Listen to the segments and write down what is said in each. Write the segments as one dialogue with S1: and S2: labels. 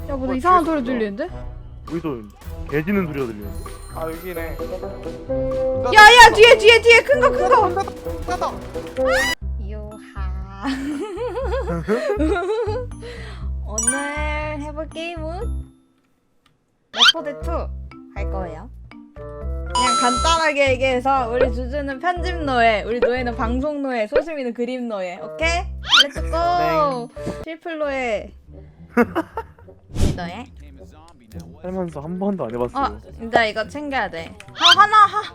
S1: 야, 뭐 이상한 소리 들리는데?
S2: 여기서 개 짖는 소리가 들려.
S3: 아 여기네.
S1: 야야, 뒤에 큰 거.
S3: 닫아.
S1: 요하. 오늘 해볼 게임은 레포드 2 할 거예요. 그냥 간단하게 얘기해서 우리 주주는 편집 노예, 우리 노예는 방송 노예, 소심이는 그림 노예. 오케이? 렛츠고. 실플 노예. 우리 노예.
S2: 살면서 한 번도 안 해봤어요.
S1: 근데 이거 챙겨야 돼. 한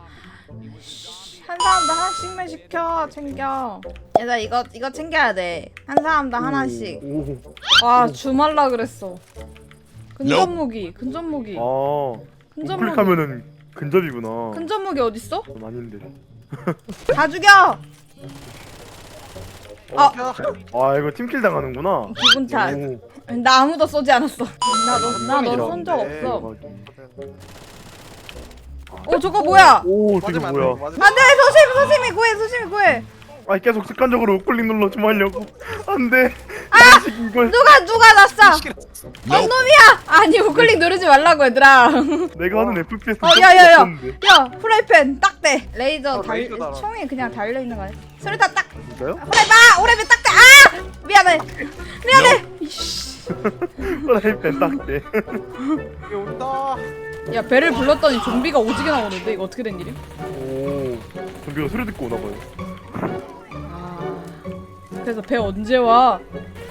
S1: 사람당 하나씩만 시켜. 챙겨. 얘들아, 이거 챙겨야 돼. 한 사람당 하나씩.
S2: 오.
S1: 와, 주말라 그랬어. 근접무기.
S2: 아. 우클릭하면은 근접이구나.
S1: 근접무기 어딨어?
S2: 전 아닌데.
S1: 다 죽여.
S2: 아 이거 팀킬 당하는구나.
S1: 기분 탓.
S2: 오.
S1: 나 아무도 쏘지 않았어. 나 너 쏜 적
S3: 네.
S1: 없어. 저거 뭐야?
S2: 오 저게
S3: 맞으면
S2: 뭐야?
S3: 안 돼.
S1: 안돼, 소심이 구해.
S2: 아니 계속 습관적으로 우클릭 눌러 좀 하려고. 안돼. 이걸
S1: 누가 났어? 놈이야. 아니, 우클릭 누르지 말라고 얘들아.
S2: 내가 하는 FPS.
S1: 야야야. 야, 프라이팬 딱대. 레이저
S3: 레이저 달아.
S1: 총이 그냥 달려 있는 거 아니야? 수류탄 딱.
S2: 진짜요?
S1: 오래비 딱대. 미안해. 이씨.
S2: 프라이팬 딱대.
S3: 여기 온다.
S1: 야, 배를 불렀더니 좀비가 오지게 나오는데 이거 어떻게 된 일임?
S2: 오. 좀비가 소리 듣고 오나 봐요.
S1: 그래서 배 언제 와?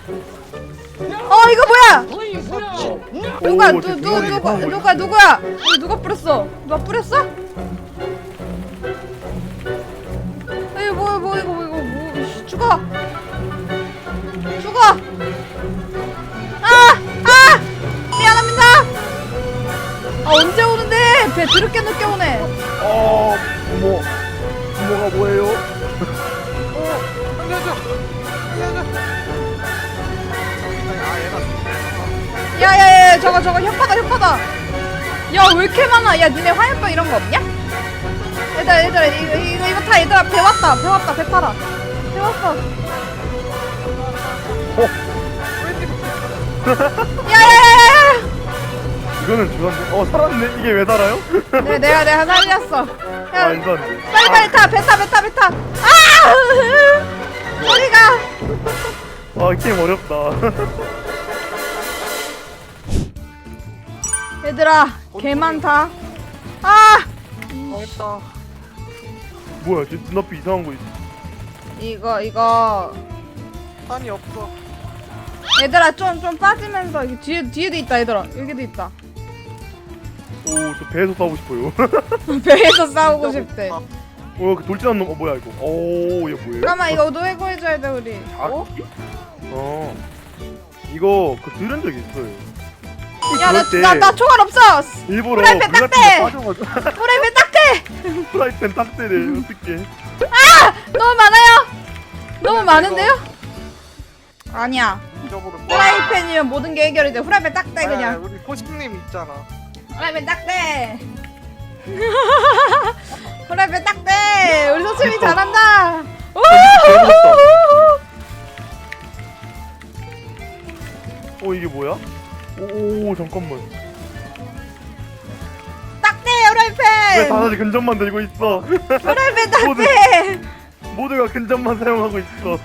S1: 이거 뭐야? 누가
S2: 오, 되게 대박이다.
S1: 누구야? 이거 누가 뿌렸어? 누가 뿌렸어? 이거 죽어. 미안합니다. 언제 오는데? 배 드럽게 늦게 오네.
S2: 부모가 뭐예요?
S3: 살려줘.
S1: 야야야, 저거 혓바다. 야, 왜 이렇게 많아? 야, 니네 화염병 이런 거 없냐? 얘들아, 이거 타. 얘들아, 배 왔다. 배 타라. 배 왔어. 야야야야.
S2: 이거는 죽었네. 살았네. 이게 왜 살아요?
S1: 내가 살렸어. 야,
S2: 이거 안 돼.
S1: 빨리 타. 배 타. 어디가?
S2: 게임 어렵다.
S1: 얘들아, 개 많다.
S3: 망했다.
S2: 뭐야, 쟤 눈앞에 이상한 거 있어.
S1: 이거.
S3: 탄이 없어.
S1: 얘들아, 좀 빠지면서 뒤에도 있다. 얘들아, 여기도 있다.
S2: 오, 저 배에서 싸우고 싶어요.
S1: 배에서 싸우고 싶대.
S2: 그 돌진한 놈, 뭐야 이거? 오, 얘 뭐예요?
S1: 잠깐만, 이거 노예 구해줘야 돼 우리.
S2: 이거 들은 적 있어요.
S1: 야,
S2: 그럴 때
S1: 나 총알 없어.
S2: 일부러
S1: 프라이팬
S2: 물 같은
S1: 딱대!
S2: 데 빠져가지고
S1: 프라이팬 딱대.
S2: 프라이팬 딱대래. 어떡해?
S1: 너무 많아요. 너무 많은데요? 아니야.
S3: 잊어버려.
S1: 프라이팬이면 모든 게 해결이 돼. 프라이팬 딱대 그냥.
S3: 우리 코식님 있잖아.
S1: 프라이팬 딱대. 프라이팬 딱대. 우리 소심이 잘한다.
S2: 이게 뭐야? 오, 잠깐만.
S1: 딱대
S2: 왜
S1: 프라이팬.
S2: 다들 근접만 들고 있어?
S1: 프라이팬 딱대.
S2: 모두가 근접만 사용하고 있어.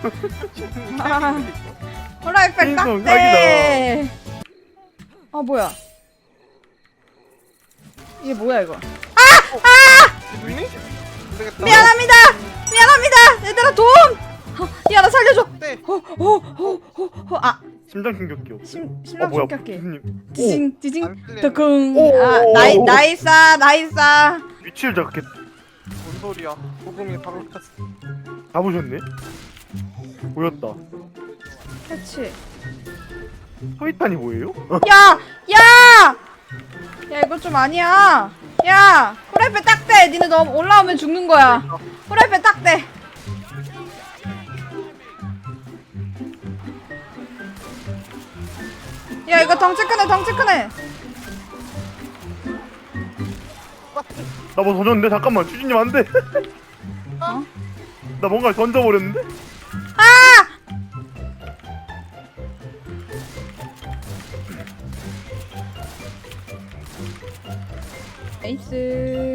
S1: 프라이팬
S2: 인성
S1: 딱대. 뭐야? 이게 뭐야 이거?
S3: 죽니? 안 되겠다.
S1: 미안합니다. 얘들아 돈. 야, 나 살려줘.
S3: 네.
S2: 심장 충격기요.
S1: 심장
S2: 뭐야?
S1: 충격기.
S2: 교수님.
S1: 지징
S3: 안 풀리네.
S1: 더쿵.
S2: 오.
S1: 나이스.
S2: 위치를 잡겠.
S3: 뭔 소리야? 소금이 바로 탔어.
S2: 잡으셨네? 보였다.
S1: 그렇지.
S2: 소이탄이 뭐예요?
S1: 야, 이거 좀 아니야. 야, 프라이팬 딱대. 니네 너 올라오면 죽는 거야. 프라이팬 딱대. 야, 이거 덩치 크네.
S2: 나 뭐 던졌는데? 잠깐만, 주진님 안 돼.
S1: 어?
S2: 나 뭔가 던져버렸는데?
S1: 에이스.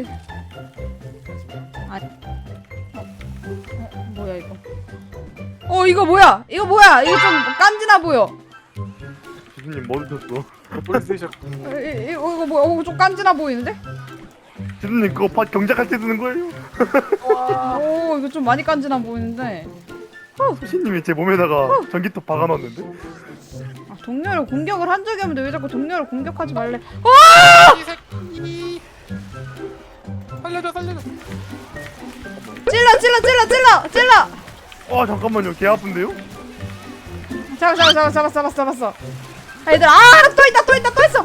S1: 뭐야 이거? 이거 뭐야? 이거 뭐야? 이거 좀 깐지나 보여.
S2: 지수님 뭐 드셨어?
S3: 머리 쓰셔.
S1: 이거 뭐야? 좀 깐지나 보이는데?
S2: 지수님 그거 경작할 때 드는 거예요?
S1: 오 이거 좀 많이 깐지나 보이는데.
S2: 소신님이 제 몸에다가 전기톱 박아놨는데?
S1: 아, 동료를 공격을 한 적이 없는데 왜 자꾸 동료를 공격하지 말래?
S3: 이 새끼. 살려줘.
S1: 찔러!
S2: 잠깐만요 개 아픈데요?
S1: 잡았어. 아, 얘들아, 또 있어!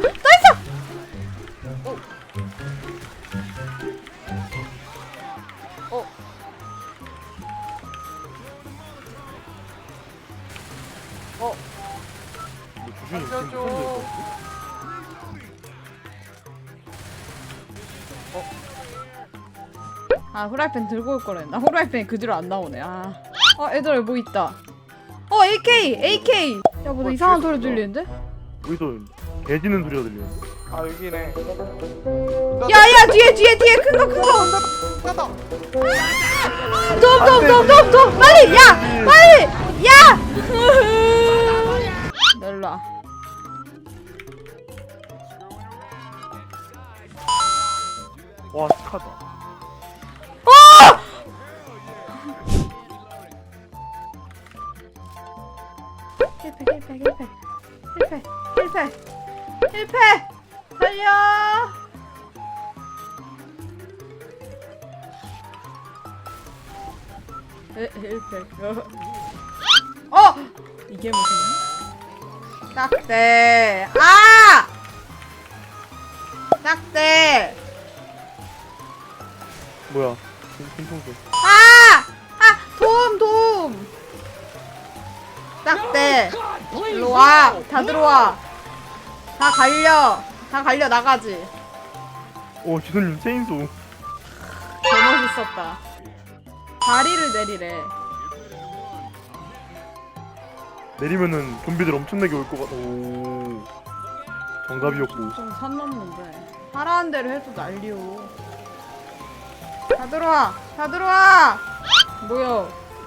S2: 뭐 주준이 지금
S3: 살려줘.
S2: 무슨 일이야?
S1: 아, 후라이팬 들고 올 거랬나? 후라이팬이 그 뒤로 안 나오네. 얘들아, 여기 뭐 있다. AK! 야, 뭐 이상한 소리 들리는데?
S2: 여기서 개 짖는 소리가 들리는데?
S3: 아 여기네.
S1: 야, 뒤에 큰 거.
S3: 가다.
S1: 돔! 빨리! 야! 일로 와.
S2: 와 착하다.
S1: 힐패! 살려! 힐패. 이게 무슨 딱대. 딱대.
S2: 뭐야? 김통수.
S1: 도움. 딱대. 일로 와. 다 들어와. 다 갈려 나가지.
S2: 오 지수님 체인소.
S1: 개멋있었다. 다리를 내리래.
S2: 내리면은 좀비들 엄청나게 올 것 같아. 오 정답이었고.
S1: 좀 선 넘는데. 하라는 대로 해도 난리요. 다 들어와. 뭐야?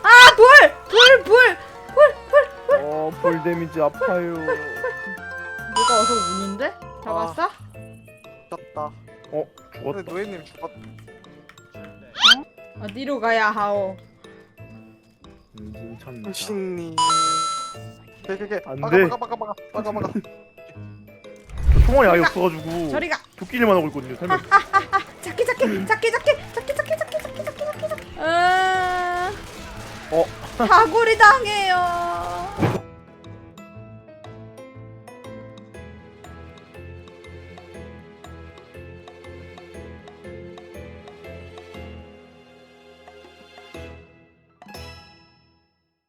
S1: 불.
S2: 볼 데미지 아파요.
S1: 누가 어서 우는데? 잡았어?
S3: 졌다.
S2: 죽었다.
S3: 근데 노예님 죽었.
S1: 어디로 가야 하오?
S2: 괜찮다.
S3: 신님. 개.
S2: 안 돼.
S3: 막아.
S2: 저 총알이 아예 없어가지고
S1: 저리 가.
S2: 도끼질만 하고 있거든요. 설명.
S1: 잡기. 다구리 당해요.